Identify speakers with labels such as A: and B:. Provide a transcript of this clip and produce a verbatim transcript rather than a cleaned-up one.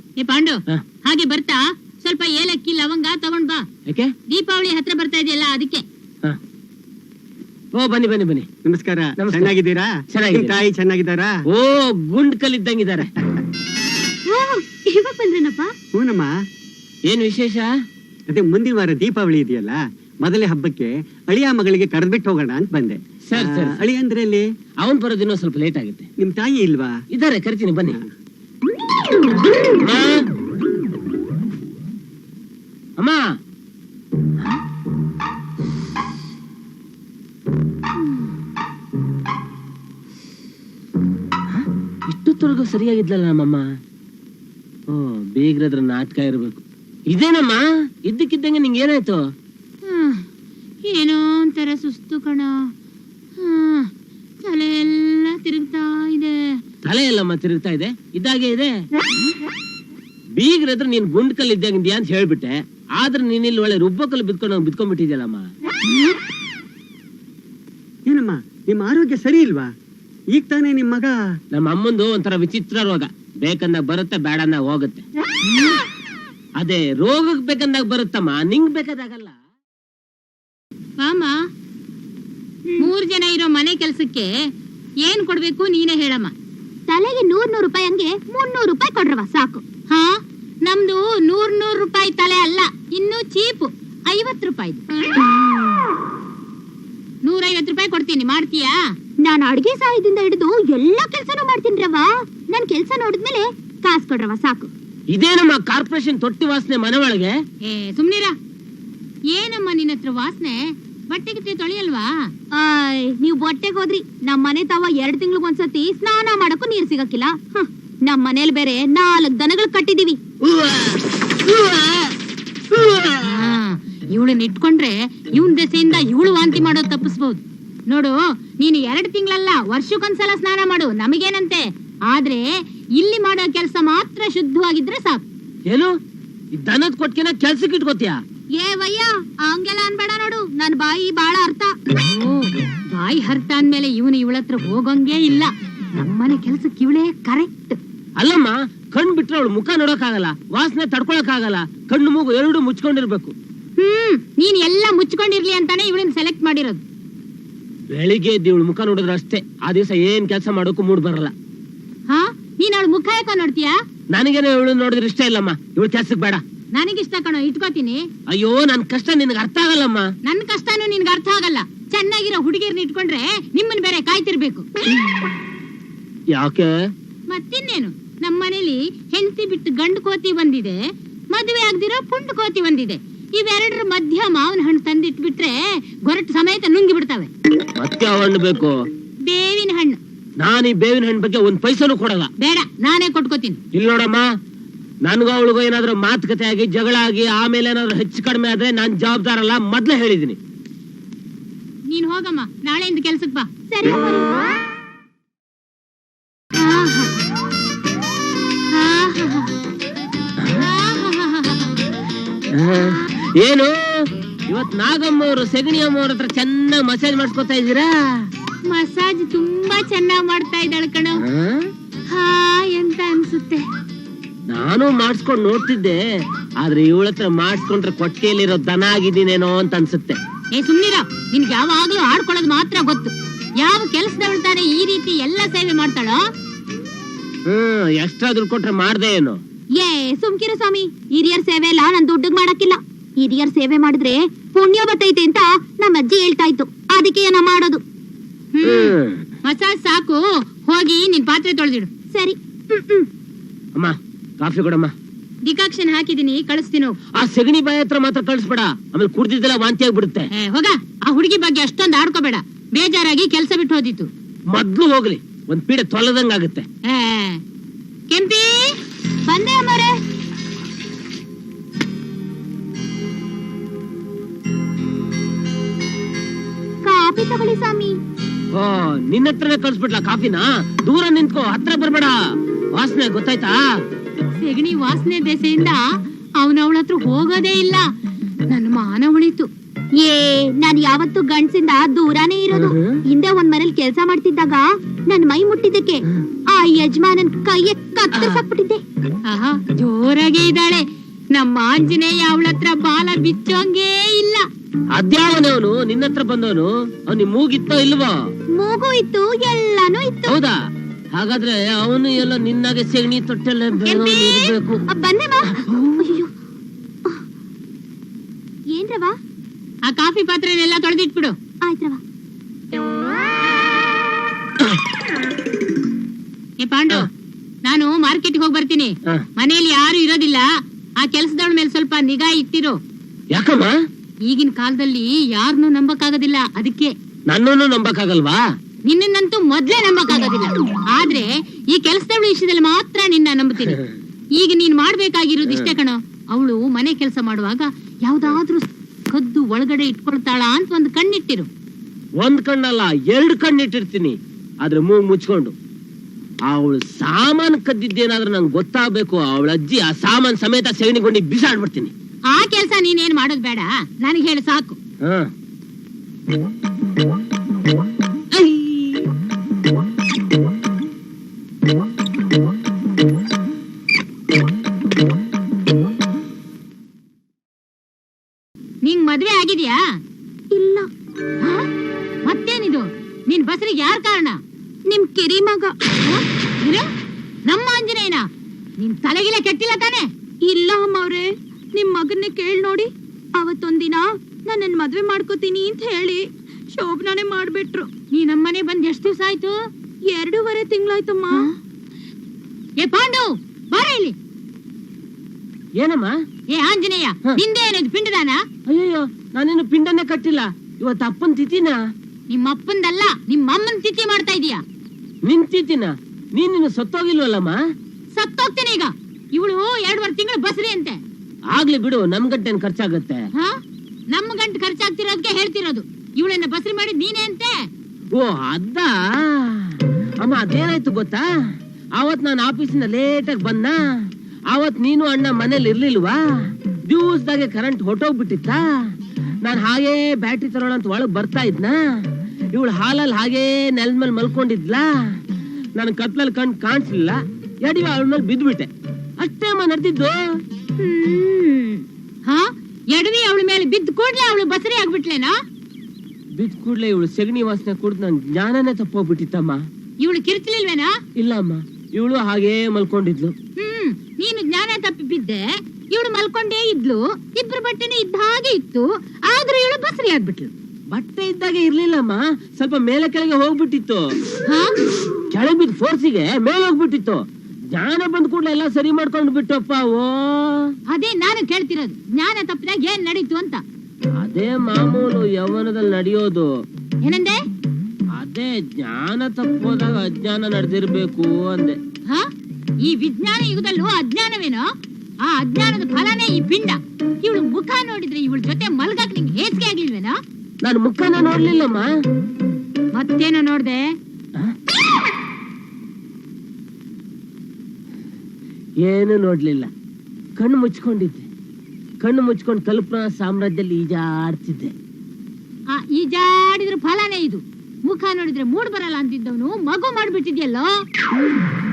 A: ಏ ಪಾಂಡು, ಹಾಗೆ ಬರ್ತಾ ಸ್ವಲ್ಪ ಏಲಕ್ಕಿ ಲವಂಗ ತಗೊಂಡ್ ಬಾ.
B: ಯಾಕೆ?
A: ದೀಪಾವಳಿ ಹತ್ರ ಬರ್ತಾ ಇದೆಯಲ್ಲ ಅದಕ್ಕೆ.
B: ಓ ಬನ್ನಿ ಬನ್ನಿ ಬನ್ನಿ.
C: ನಮಸ್ಕಾರ. ಚೆನ್ನಾಗಿದ್ದೀರಾ? ತಾಯಿ ಚೆನ್ನಾಗಿದ್ದಾರಾ?
B: ಓ ಗುಂಡ್ ಕಲ್ಲಿದ್ದಂಗಿದ್ದಾರೆ.
A: ಇವಾಗ ಬಂದ್ರೇನಪ್ಪ?
C: ಹೂನಮ್ಮ.
B: ಏನ್ ವಿಶೇಷ?
C: ಅದೇ ಮುಂದಿನ ವಾರ ದೀಪಾವಳಿ ಇದೆಯಲ್ಲ, ಮೊದಲೇ ಹಬ್ಬಕ್ಕೆ ಅಳಿಯ ಮಗಳಿಗೆ ಕರೆದ್ಬಿಟ್ಟು ಹೋಗೋಣ ಅಂತ ಬಂದೆ.
B: Sir sir.
C: ಅಳಿಯ ಅಂದ್ರೆ ಅಲ್ಲಿ
B: ಅವನ್ ಬರೋದಿನ್ನೂ ಸ್ವಲ್ಪ ಲೇಟ್ ಆಗುತ್ತೆ.
C: ನಿಮ್ ತಾಯಿ ಇಲ್ವಾ?
B: ಇದಾರೆ, ಕರಿತೀನಿ ಬನ್ನಿ. ಅಮ್ಮ, ಇಷ್ಟೊತ್ತೊಳಗೂ ಸರಿಯಾಗಿದ್ಲಲ್ಲ ನಮ್ಮಮ್ಮ. ಓ ಬೇಗ್ರದ್ರ ನಾಟಕ ಇರ್ಬೇಕು. ಇದೇನಮ್ಮ ಇದ್ದಕ್ಕಿದ್ದಂಗೆ ನಿಂಗೆ ಏನಾಯ್ತು?
A: ಏನೋ ಒಂಥರ ಸುಸ್ತು ಕಣ. ತಲೆ ಎಲ್ಲ ತಿರುಗ್ತಾ ಇದೆ.
B: ತಲೆ ಎಲ್ಲಮ್ಮ ತಿರುಗ್ತಾ ಇದೆ? ಇದ್ದಾಗೆ ಇದೆ. ಬೀಗ್ರದ್ರ ನೀನ್ ಗುಂಡ್ಕಲ್ ಇದ್ದಂಗಿದ್ಯಾ ಅಂತ ಹೇಳ್ಬಿಟ್ಟೆ, ಆದ್ರೆ ನೀನ್ ಇಲ್ಲಿ ಒಳ್ಳೆ ರುಬ್ಬಕಲ್ ಬಿದ್ಕೊಂಡು ಬಿದ್ಕೊಂಡ್ಬಿಟ್ಟಿದ್ಯಲ್ಲಮ್ಮ.
C: ಏನಮ್ಮ ನಿಮ್ಮ ಆರೋಗ್ಯ ಸರಿ ಇಲ್ವಾ? ಈಗ ತಾನೇ ನಿಮ್ ಮಗ.
B: ನಮ್ಮ ಅಮ್ಮಂದು ಒಂಥರ ವಿಚಿತ್ರ ರೋಗ. ಬೇಕಂದಾಗ ಬರುತ್ತೆ, ಬೇಡಂದಾಗ ಹೋಗುತ್ತೆ. ಅದೇ ರೋಗಕ್ ಬೇಕಂದಾಗ ಬರುತ್ತಮ್ಮ, ನಿಂಗ್ ಬೇಕಾದಾಗಲ್ಲ.
A: ಮಾಮ, ಮೂರ್ ಜನ ಇರೋ ಮನೆ ಕೆಲ್ಸಕ್ಕೆ ಏನ್ ಕೊಡ್ಬೇಕು ನೀನೇ ಹೇಳಮ್ಮ.
D: ತಲೆಗೆ ನೂರ್ ನೂರ್ ರೂಪಾಯಿ ಹಂಗೆ ಮುನ್ನೂರು ರೂಪಾಯಿ ಕೊಡ್ರವ ಸಾಕು.
A: ಹಾ, ನಮ್ದು ನೂರ್ ನೂರ್ ರೂಪಾಯಿ ತಲೆ ಅಲ್ಲ, ಇನ್ನು ಚೀಪು ಐವತ್ ರೂಪಾಯಿ. ನೂರ ಐವತ್ ರೂಪಾಯಿ ಕೊಡ್ತೀನಿ, ಮಾಡ್ತೀಯಾ?
D: ನಾನು ಅಡ್ಗೆ ಸಹಾಯದಿಂದ ಹಿಡಿದು ಎಲ್ಲಾ ಕೆಲ್ಸನೂ ಮಾಡ್ತೀನಿ ರವ. ನನ್ ಕೆಲ್ಸ ನೋಡಿದ್ಮೇಲೆ ಕಾಸು ಕೊಡ್ರವ ಸಾಕು.
B: ಇದೇನಮ್ಮ ಕಾರ್ಪೊರೇಷನ್ ತೊಟ್ಟಿ ವಾಸನೆ ಮನೆ ಒಳಗೆ?
A: ಏ ಸುಮ್ನಿರ. ಏನಮ್ಮ ನಿನ್ನ ಹತ್ರ ವಾಸನೆ? ಬಟ್ಟೆ ಗಿಟ್ಟೆ ತೊಳೆಯಲ್ವಾ?
D: ಆಯ್, ನೀವ್ ಬಟ್ಟೆಗೆ ಹೋದ್ರಿ. ನಮ್ ಮನೆ ತಾವ ಎರಡ್ ತಿಂಗ್ಳಿಗೆ ಒಂದ್ಸತಿ ಸ್ನಾನ ಮಾಡಕ್ಕೂ ನೀರ್ ಸಿಗಕ್ಕಿಲ್ಲ. ನಮ್ ಮನೇಲಿ ಬೇರೆ ನಾಲ್ಕ್ ದನಗಳು ಕಟ್ಟಿದೀವಿ.
A: ಇವಳನ್ನ ಇಟ್ಕೊಂಡ್ರೆ ಇವನ್ ದೆಸೆಯಿಂದ ಇವಳು ವಾಂತಿ ಮಾಡೋದು ತಪ್ಪಿಸ್ಬಹುದು. ನೋಡು, ನೀನು ಎರಡ್ ತಿಂಗಳಲ್ಲ ವರ್ಷಕ್ಕೊಂದ್ಸಲ ಸ್ನಾನ ಮಾಡು, ನಮಗೇನಂತೆ. ಆದ್ರೆ ಇಲ್ಲಿ ಮಾಡೋ ಕೆಲಸ ಮಾತ್ರ ಶುದ್ಧವಾಗಿದ್ರೆ ಸಾಕು.
B: ಏನು ದನದ ಕೊಟ್ಕೆನ ಕೆಲ್ಸಕ್ಕೆ ಇಟ್ಕೋತೀಯ?
D: ಏ ವಯ್ಯ, ಹಂಗೆಲ್ಲ ಅನ್ಬೇಡ ನೋಡು, ನನ್ ಬಾಯಿ ಬಾಳ ಅರ್ಥ.
A: ಬಾಯಿ ಹರ್ತ ಅಂದ್ಮೇಲೆ ಇವನು ಇವಳತ್ರ ಹೋಗಂಗೇ ಇಲ್ಲ. ನಮ್ಮನೆ ಕೆಲ್ಸಕ್ಕೆ ಇವಳೇ ಕರೆಕ್ಟ್.
B: ಅಲ್ಲಮ್ಮ, ಕಣ್ ಬಿಟ್ರೆ ಅವಳು ಮುಖ ನೋಡಕ್ ಆಗಲ್ಲ, ವಾಸನೆ ತಡ್ಕೊಳಕ್ ಆಗಲ್ಲ. ಕಣ್ಣು ಮೂಗು ಎರಡು ಮುಚ್ಕೊಂಡಿರ್ಬೇಕು.
A: ಹ್ಮ್, ನೀನ್ ಎಲ್ಲ ಮುಚ್ಕೊಂಡಿರ್ಲಿ ಅಂತಾನೆ ಇವಳನ್ನ ಸೆಲೆಕ್ಟ್ ಮಾಡಿರೋದು.
B: ಬೆಳಿಗ್ಗೆ ಎದ್ದು ಇವಳು ಮುಖ ನೋಡಿದ್ರೆ ಅಷ್ಟೇ, ಆ ದಿವಸ ಏನ್ ಕೆಲಸ ಮಾಡೋಕು ಮೂಡ್ ಬರಲ್ಲ.
A: ಹಾ, ನೀನ್ ಅವಳು ಮುಖ ಯಾಕ ನೋಡ್ತೀಯಾ?
B: ನನಗೇನೋ ಇವಳು ನೋಡಿದ್ರೆ ಇಷ್ಟ ಇಲ್ಲಮ್ಮ. ಇವಳು ಕೆಲ್ಸಕ್ ಬೇಡ.
A: ನನಗಿಷ್ಟ ಕಣೋ, ಇಟ್ಕೋತೀನಿ.
B: ಅಯ್ಯೋ, ನನ್ ಕಷ್ಟ ನಿನ್ಗೆ ಅರ್ಥ ಆಗಲ್ಲಮ್ಮ.
A: ನನ್ ಕಷ್ಟನೂ ನಿನ್ಗೆ ಅರ್ಥ ಆಗಲ್ಲ. ಚೆನ್ನಾಗಿರೋ ಹುಡುಗಿಯರ್ನ ಇಟ್ಕೊಂಡ್ರೆ ನಿಮ್ಮನ್ ಬೇರೆ ಕಾಯ್ತಿರ್ಬೇಕು.
B: ಯಾಕೆ?
A: ಮತ್ತಿನ್ನೇನು, ನಮ್ಮನೇಲಿ ಹೆಂಡತಿ ಬಿಟ್ಟು ಗಂಡು ಕೋತಿ ಬಂದಿದೆ, ಮದುವೆ ಆಗ್ದಿರೋ ಪುಂಡು ಕೋತಿ ಬಂದಿದೆ. ಇವೆರಡರ ಮಧ್ಯ ಮಾವಿನ ಹಣ್ಣು ತಂದಿಟ್ಬಿಟ್ರೆ ಗೊರಟು ಸಮೇತ ನುಂಗಿ ಬಿಡ್ತಾವೆ.
B: ಮತ್ತೆ ಹಣ್ಣು ಬೇಕು?
A: ಬೇವಿನ ಹಣ್ಣು.
B: ನಾನು ಈ ಬೇವಿನ ಹಣ್ಣು ಬಗ್ಗೆ ಒಂದ್ ಪೈಸನೂ ಕೊಡಲ್ಲ.
A: ಬೇಡ, ನಾನೇ ಕೊಟ್ಕೋತೀನಿ.
B: ಇಲ್ಲಿ ನೋಡಮ್ಮ, ನನ್ಗೂ ಅವಳಿಗೂ ಏನಾದ್ರು ಮಾತುಕತೆ ಆಗಿ ಜಗಳ ಆಗಿ ಆಮೇಲೆ ಏನಾದ್ರು ಹೆಚ್ಚು ಕಡಿಮೆ ಆದ್ರೆ ನಾನ್ ಜವಾಬ್ದಾರಲ್ಲ, ಮೊದ್ಲೇ ಹೇಳಿದೀನಿ.
A: ನೀನ್ ಹೋಗಮ್ಮ, ನಾಳೆಯಿಂದ ಕೆಲ್ಸಕ್ ಬಾ.
D: ಸರಿ.
B: ಏನು ಇವತ್ ನಾಗಮ್ಮ ಅವರು ಸೆಗಣಿ ಅಮ್ಮ ಅವ್ರ ಹತ್ರ ಚೆನ್ನಾಗಿ ಮಸಾಜ್ ಮಾಡ್ಸ್ಕೊತಾ ಇದ್ದೀರಾ?
A: ಮಸಾಜ್ ತುಂಬಾ ಚೆನ್ನಾಗ್ ಮಾಡ್ತಾ ಇದ್ದಾಳ ಕಣೋ. ಹಾ ಎಂತ ಅನ್ಸುತ್ತೆ.
B: ನಾನು ಮಾಡಿಸ್ಕೊಂಡ್ ನೋಡ್ತಿದ್ದೆ, ಆದ್ರೆ ಇವಳ ಹತ್ರ ಮಾಡಿಸ್ಕೊಂಡ್ರೆ ಕೊಟ್ಟಿಗೆಯಲ್ಲಿರೋ ದನ ಆಗಿದ್ದೀನೇನೋ ಅಂತ ಅನ್ಸುತ್ತೆ.
A: ಏ ಸುಮ್ನಿರ, ನಿನ್ಗೆ ಯಾವಾಗ್ಲೂ ಆಡ್ಕೊಳ್ಳೋದು ಮಾತ್ರ ಗೊತ್ತು. ಯಾವ ಕೆಲಸದವಳು ತಾನೆ ಈ ರೀತಿ ಎಲ್ಲ ಸೇವೆ ಮಾಡ್ತಾಳೋ?
B: ಹ್ಮ್, ಎಷ್ಟಾದ್ರೂ ಕೊಟ್ರೆ ಮಾಡ್ದೆ ಏನು?
D: ಏ ಸುಮ್ಕಿರ ಸ್ವಾಮಿ, ಹಿರಿಯರ್ ಸೇವೆ ಎಲ್ಲ ನನ್ ದುಡ್ಡಿಗೆ ಮಾಡಕ್ಕಿಲ್ಲ. ಹಿರಿಯರ್ ಸೇವೆ ಮಾಡಿದ್ರೆ ಪುಣ್ಯ ಬರ್ತೈತೆ ಅಂತ ನಮ್ಮ ಅಜ್ಜಿ ಹೇಳ್ತಾ ಇತ್ತು, ಅದಕ್ಕೆ ಏನ ಮಾಡೋದು.
A: ಹ್ಮ್, ಮಸಾಜ್ ಸಾಕು, ಹೋಗಿ ನಿನ್ ಪಾತ್ರೆ ತೊಳೆದಿಡು.
D: ಸರಿ.
B: ಅಮ್ಮ, ಕಾಫಿ ಕೊಡಮ್ಮ.
A: ಡಿಕಾಕ್ಷನ್ ಹಾಕಿದೀನಿ, ಕಳಿಸ್ತೀನಿ.
B: ಆ ಸೆಗಣಿ ಬಾಯಿ ಹತ್ರ ಮಾತ್ರ ಕಳಿಸ್ಬೇಡ, ಆಮೇಲೆ ಕುಡ್ದಿದ್ದೆಲ್ಲ ವಾಂತಿ ಆಗ್ಬಿಡುತ್ತೆ.
A: ಹೋಗ, ಆ ಹುಡುಗಿ ಬಗ್ಗೆ ಅಷ್ಟೊಂದು ಆಡ್ಕೋಬೇಡ. ಬೇಜಾರಾಗಿ ಕೆಲ್ಸ ಬಿಟ್ಟು ಹೋದಿತ್ತು.
B: ಮೊದ್ಲು ಹೋಗ್ಲಿ, ಒಂದ್ ಪೀಡೆ ತೊಲದಂಗಾಗುತ್ತೆ.
A: ಕೆಂಪಿ
D: ಬಂದೆ ಅಮ್ಮರೇ. ಕಾಫಿ ತಗೊಳ್ಳಿ ಸ್ವಾಮಿ.
B: ಓ, ನಿನ್ನ ಹತ್ರನೇ ಕಳ್ಸ್ಬಿಡ್ಲಾ ಕಾಫಿನ? ದೂರ ನಿಂತ್ಕೋ, ಹತ್ರ ಬರ್ಬೇಡ. ವಾಸನೆ ಗೊತ್ತಾಯ್ತಾ?
A: ಸೆಗಣಿ ವಾಸನೆ ದೆಸೆಯಿಂದ ಅವನವಳ ಹತ್ರ ಹೋಗೋದೇ ಇಲ್ಲ. ನನ್ನ ಮಾನ ಉಳಿತು.
D: ಏ ನಾನ್ ಯಾವತ್ತು ಗಂಡ್ಸಿಂದ ದೂರಾನೇ ಇರೋದು. ಹಿಂದೆ ಒಂದ್ ಮನೇಲಿ ಕೆಲ್ಸ ಮಾಡ್ತಿದ್ದಾಗ ನನ್ ಮೈ ಮುಟ್ಟಿದ್ದಕ್ಕೆ ಆ ಯಜಮಾನನ್ ಕೈಯ ಕತ್ತರಿಸಾಕ್ಬಿಟ್ಟಿದ್ದೆ.
A: ಆಹಾ ಜೋರಾಗೆ ಇದ್ದಾಳೆ. ನಮ್ಮ ಆಂಜನೇಯ ಅವಳ ಹತ್ರ ಬಾಲ ಬಿಚ್ಚೋಂಗೇ ಇಲ್ಲ.
B: ಅದ್ಯಾವನವನು ನಿನ್ನ ಹತ್ರ ಬಂದವನು? ಅವ್ನಿ ಮೂಗಿತ್ತೋ ಇಲ್ವೋ?
D: ಮೂಗು ಇತ್ತು, ಎಲ್ಲಾನು ಇತ್ತು.
B: ಹೌದಾ? ಹಾಗಾದ್ರೆ ಅವನು ಎಲ್ಲ ನಿನ್ನಾಗೆ ಸೆಗಣಿ ತೊಟ್ಟೆಲ್ಲ ಇರ್ಬೇಕು.
D: ಅ, ಬಂದೆ ಮಾ. ಅಯ್ಯೋ. ಏನ್ರವ?
A: ಆ ಕಾಫಿ ಪಾತ್ರೆನೆಲ್ಲ ತೊಳೆದಿಟ್ಬಿಡು.
D: ಆಯ್ತ್ರವ.
A: ಏ ಪಾಂಡು, ನಾನು ಮಾರ್ಕೆಟ್ಗೆ ಹೋಗಿ ಬರ್ತೀನಿ.
B: ಹ.
A: ಮನೆಯಲ್ಲಿ ಯಾರು ಇರೋದಿಲ್ಲ. ಆ ಕೆಲ್ಸದವಳ ಮೇಲೆ ಸ್ವಲ್ಪ ನಿಗಾ ಇಟ್ಟಿರು.
B: ಯಾಕಮ್ಮ?
A: ಈಗಿನ ಕಾಲದಲ್ಲಿ ಯಾರನ್ನೂ ನಂಬಕ್ಕಾಗೋದಿಲ್ಲ. ಅದಕ್ಕೆ
B: ನನ್ನನ್ನು ನಂಬಕ್ಕಾಗಲ್ವಾ?
A: ನಿನ್ನಂತೂ ಮೊದ್ಲೇ ನಂಬಕ್ಕಾಗೋದಿಲ್ಲ. ಆದ್ರೆ ಈ ಕೆಲ್ಸದವಳ ವಿಷಯದಲ್ಲಿ ಮಾತ್ರ ನಿನ್ನ ನಂಬುತ್ತೀನಿ. ಈಗ ನೀನ್ ಮಾಡ್ಬೇಕಾಗಿರೋದು ಇಷ್ಟೇ ಕಣೋ. ಅವಳು ಮನೆ ಕೆಲಸ ಮಾಡುವಾಗ ಯಾವ್ದಾದ್ರೂ ಕದ್ದು ಒಳಗಡೆ ಇಟ್ಕೊಳ್ತಾಳ ಅಂತ ಒಂದು ಕಣ್ಣಿಟ್ಟಿರು.
B: ಒಂದ್ ಕಣ್ಣಲ್ಲ, ಎರಡು ಕಣ್ಣಿಟ್ಟಿರ್ತೀನಿ. ಆದ್ರೆ ಮೂಗ್ ಮುಚ್ಕೊಂಡು. ಅವಳು ಸಾಮಾನ್ ಕದ್ದಿದ್ದೇನಾದ್ರೂ ನಂಗೆ ಗೊತ್ತಾಗ್ಬೇಕು. ಅವಳ ಅಜ್ಜಿ ಆ ಸಾಮಾನ್ ಸಮೇತ ಸೆಗಣಿಗೊಂಡಿ ಬಿಸಾಡ್ಬಿಡ್ತೀನಿ.
A: ಆ ಕೆಲ್ಸ ನೀನೇನ್ ಮಾಡೋದ್ ಬೇಡ, ನನಗೆ ಹೇಳು ಸಾಕು.
B: ಹ.
A: ನಿಂಗ್ ಮದ್ವೆ ಆಗಿದ್ಯಾ?
D: ಇಲ್ಲ.
A: ಹ? ಮತ್ತೇನಿದು? ನಿನ್ ಬಸರಿಗೆ ಯಾರ್ ಕಾರಣ?
D: ನಿಮ್ ಕಿರಿ ಮಗ.
A: ಹ? ಏನು? ನಮ್ಮ ಆಂಜನೇಯನ? ನಿನ್ ತಲೆಗಿಲೆ ಕೆಟ್ಟಿಲ್ಲ ತಾನೆ?
D: ಇಲ್ಲ ಅಮ್ಮವ್ರೆ, ನಿಮ್ ಮಗನ್ನೇ ಕೇಳ್ ನೋಡಿ. ಅವತ್ತೊಂದಿನ ನಾನ್ ನನ್ ಮದ್ವೆ ಮಾಡ್ಕೋತೀನಿ ಅಂತ ಹೇಳಿ ಶೋಭನಾನೇ ಮಾಡ್ಬಿಟ್ರು.
A: ನೀ ನಮ್ಮನೆ ಬಂದ್ ಎಷ್ಟು ದಿವಸ ಆಯ್ತು?
D: ಎರಡೂವರೆ ತಿಂಗಳಾಯ್ತಮ್ಮ.
A: ಏ ಪಾಂಡು, ಬಾರ ಇಲ್ಲಿ.
B: ಏನಮ್ಮ?
A: ಏ ಆಂಜನೇಯ,
B: ಹ.
A: ನಿಂದೆ ಏನದು ಪಿಂಡದಾನ?
B: ಅಯ್ಯಯ್ಯೋ, ನಾನೇನು ಪಿಂಡನೇ ಕಟ್ಟಿಲ್ಲ. ಇವತ್ತು ಅಪ್ಪನ್ ತಿಥಿನ.
A: ನಿಮ್ಮ ಅಪ್ಪಂದಲ್ಲ, ನಿಮ್ಮ ಅಮ್ಮನ್ ತಿಥಿ ಮಾಡ್ತಾ ಇದೀಯಾ?
B: ನಿನ್ ತಿಥಿನ? ನೀನಿನ್ನು ಸತ್ತೋಗಿಲ್ವಲ್ಲಮ್ಮ?
A: ಸತ್ತೋಗ್ತೀನಿ ಈಗ. ಇವಳು ಎರಡುವರೆ ತಿಂಗಳು ಬಸ್ರಿ ಅಂತೆ.
B: ಆಗ್ಲಿ ಬಿಡು, ನಮ್ ಗಂಟೆನ್ ಖರ್ಚಾಗತ್ತೆ.
A: ಹ? ನಮ್ಮ ಗಂಟು ಖರ್ಚಾಗ್ತಿರೋದಕ್ಕೆ ಹೇಳ್ತಿರೋದು. ಇವಳನ್ನ ಬಸ್ರಿ ಮಾಡಿದ್ ನೀನೇ ಅಂತೆ.
B: ಓ ಅದ. ಅಮ್ಮ ಅದೇನಾಯ್ತು ಗೊತ್ತಾ? ಅವತ್ ನಾನು ಆಫೀಸಿನ ಲೇಟಾಗಿ ಬಂದ. ಅವತ್ ನೀನು ಅಣ್ಣ ಮನೇಲಿ ಇರ್ಲಿಲ್ವಾ? ದಿವಸದಾಗೆ ಕರೆಂಟ್ ಹೊಟ್ಟೋಗ್ಬಿಟ್ಟಿತ್ತ. ನಾನ್ ಹಾಗೇ ಬ್ಯಾಟ್ರಿ ತರೋಣ ಅಂತ ಒಳಗ್ ಬರ್ತಾ ಇದ್ನ. ಇವಳು ಹಾಲಲ್ಲಿ ಹಾಗೇ ನೆಲದ ಮೇಲೆ ಮಲ್ಕೊಂಡಿದ್ಲ. ನನ್ ಕತ್ಲಲ್ಲಿ ಕಣ್ ಕಾಣಿಸ್ಲಿಲ್ಲ. ಎಡಿ ಅವಳ ಮೇಲೆ ಬಿದ್ಬಿಟ್ಟೆ. ಅಷ್ಟೇ ಅಮ್ಮ ನಡೆದಿದ್ದು.
A: ಹ್ಮ್ ಹ ಎಡವಿ ಅವಳ ಮೇಲೆ ಬಿದ್ದ ಕೂಡ್ಲೆ ಅವಳು ಬಸರಿ ಆಗ್ಬಿಟ್ಲೇನಾ?
B: ಬಿದ್ದ ಕೂಡ್ಲೆ ಇವಳು ಸೆಗಣಿ ವಾಸನೆ ಕುಡ್ದು ನನ್ ಜ್ಞಾನನೇ ತಪ್ಪೋಗ್ಬಿಟ್ಟಿತ್ತಮ್ಮ.
A: ಇವಳು ಕಿರ್ಚಲಿಲ್ವೇನಾ?
B: ಇಲ್ಲ ಅಮ್ಮ, ಇವಳು ಹಾಗೇ ಮಲ್ಕೊಂಡಿದ್ಲು.
A: ಹ್ಮ್ ನೀನು ಜ್ಞಾನ ತಪ್ಪಿ ಬಿದ್ದೆ, ಇವಳು ಮಲ್ಕೊಂಡೇ ಇದ್ಲು. ಇಬ್ರು ಬಟ್ಟೆನೂ ಇದ್ದ ಹಾಗೆ ಇತ್ತು. ಆದ್ರೂ ಇವಳು ಬಸರಿ ಆಗ್ಬಿಟ್ಲು.
B: ಬಟ್ಟೆ ಇದ್ದಾಗೆ ಇರ್ಲಿಲ್ಲಮ್ಮ, ಸ್ವಲ್ಪ ಮೇಲೆ ಕೆಳಗೆ ಹೋಗ್ಬಿಟ್ಟಿತ್ತು.
A: ಹ
B: ಕೆಳಗೆ ಬಿದ್ದ ಫೋರ್ಸಿಗೆ ಮೇಲೆ ಹೋಗ್ಬಿಟ್ಟಿತ್ತು. ಜ್ಞಾನ ಬಂದ್ ಕೂಡಲೇ ಎಲ್ಲ ಸರಿ ಮಾಡ್ಕೊಂಡು ಬಿಟ್ಟಪ್ಪ. ಓ
A: ಅದೇ ನಾನು ಕೇಳ್ತಿರೋದು, ಜ್ಞಾನ ತಪ್ಪಿದಾಗ ಏನ್ ನಡೀತು ಅಂತ.
B: ಅದೇ ಮಾಮೂಲು ಯೌವನದಲ್ಲಿ ನಡೆಯೋದು.
A: ಏನಂದೆ?
B: ಅದೇ ಜ್ಞಾನ ತಪ್ಪೋದಾಗ ಅಜ್ಞಾನ ನಡೆದಿರ್ಬೇಕು ಅಂದೆ.
A: ಹ ಈ ವಿಜ್ಞಾನ ಯುಗದಲ್ಲೂ ಅಜ್ಞಾನವೇನೋ? ಆ ಅಜ್ಞಾನದ ಫಲನೇ ಈ ಪಿಂಡ. ಇವಳು ಮುಖ ನೋಡಿದ್ರೆ ಇವಳ ಜೊತೆ ಮಲ್ಗಾಕ್ ನಿಂಗೆ ಹೇಸಿಗೆ ಆಗಿಲ್ವೇನೋ?
B: ನಾನು ಮುಖನ ನೋಡ್ಲಿಲ್ಲಮ್ಮ.
A: ಮತ್ತೇನೋ ನೋಡ್ದೆ?
B: ಏನು ನೋಡ್ಲಿಲ್ಲ. ಕಣ್ಣು ಮುಚ್ಕೊಂಡಿದ್ದೆ. ಕಣ್ಣು ಮುಚ್ಕೊಂಡು ಕಲ್ಪನಾ ಸಾಮ್ರಾಜ್ಯದಲ್ಲಿ ಈಜಾಡ್ತಿದ್ದೆ.
A: ಆ ಈಜಾಡಿದ್ರ ಫಲನೇ ಇದು. ಮುಖ ನೋಡಿದ್ರೆ ಮೂಡ್ ಬರಲ್ಲ ಅಂತಿದ್ದವನು ಮಗು ಮಾಡ್ಬಿಟ್ಟಿದ್ಯಲ್ಲೋ.